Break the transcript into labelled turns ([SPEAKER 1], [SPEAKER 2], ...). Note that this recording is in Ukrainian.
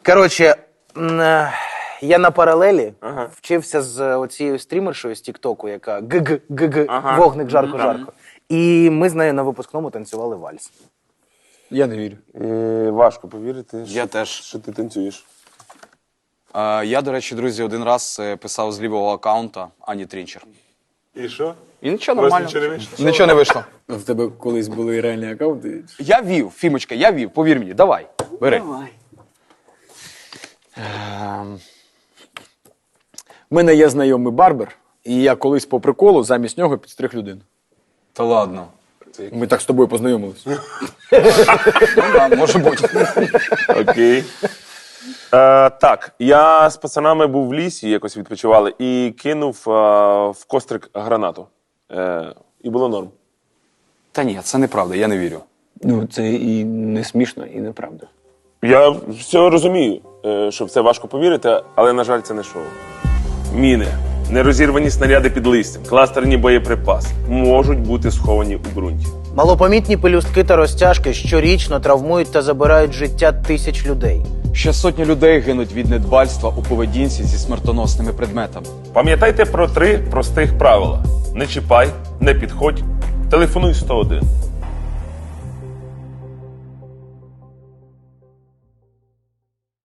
[SPEAKER 1] Коротше, я на паралелі вчився з оцією стрімершою з Тіктоку, яка вогник жарко-жарко. І ми з нею на випускному танцювали вальс.
[SPEAKER 2] Я не вірю.
[SPEAKER 3] Важко повірити,
[SPEAKER 4] Я теж.
[SPEAKER 3] що ти танцюєш.
[SPEAKER 4] Я, до речі, друзі, один раз писав з лівого аккаунта Ані Трінчер.
[SPEAKER 3] І що?
[SPEAKER 4] І нічого
[SPEAKER 3] Просто
[SPEAKER 4] нормально.
[SPEAKER 3] нічого не вийшло?
[SPEAKER 4] Нічого не вийшло.
[SPEAKER 2] А в тебе колись були реальні аккаунти?
[SPEAKER 4] Я вів, Фімочка, я вів, повір мені, давай, бери.
[SPEAKER 2] У мене є знайомий барбер, і я колись по приколу замість нього підстриг людину.
[SPEAKER 4] Та ладно.
[SPEAKER 2] Ми так з тобою познайомились.
[SPEAKER 4] Може бути.
[SPEAKER 3] Окей. Так, я з пацанами був в лісі, якось відпочивали, і кинув в кострик гранату. І було норм.
[SPEAKER 4] Та ні, це неправда, я не вірю.
[SPEAKER 2] Ну, це і не смішно, і неправда.
[SPEAKER 3] Я все розумію, що в це важко повірити, але, на жаль, це не шоу. Міни, нерозірвані снаряди під листям, кластерні боєприпаси можуть бути сховані у ґрунті.
[SPEAKER 1] Малопомітні пелюстки та розтяжки щорічно травмують та забирають життя тисяч людей.
[SPEAKER 4] Ще сотні людей гинуть від недбальства у поведінці зі смертоносними предметами.
[SPEAKER 3] Пам'ятайте про 3 простих правила. Не чіпай, не підходь, телефонуй 101.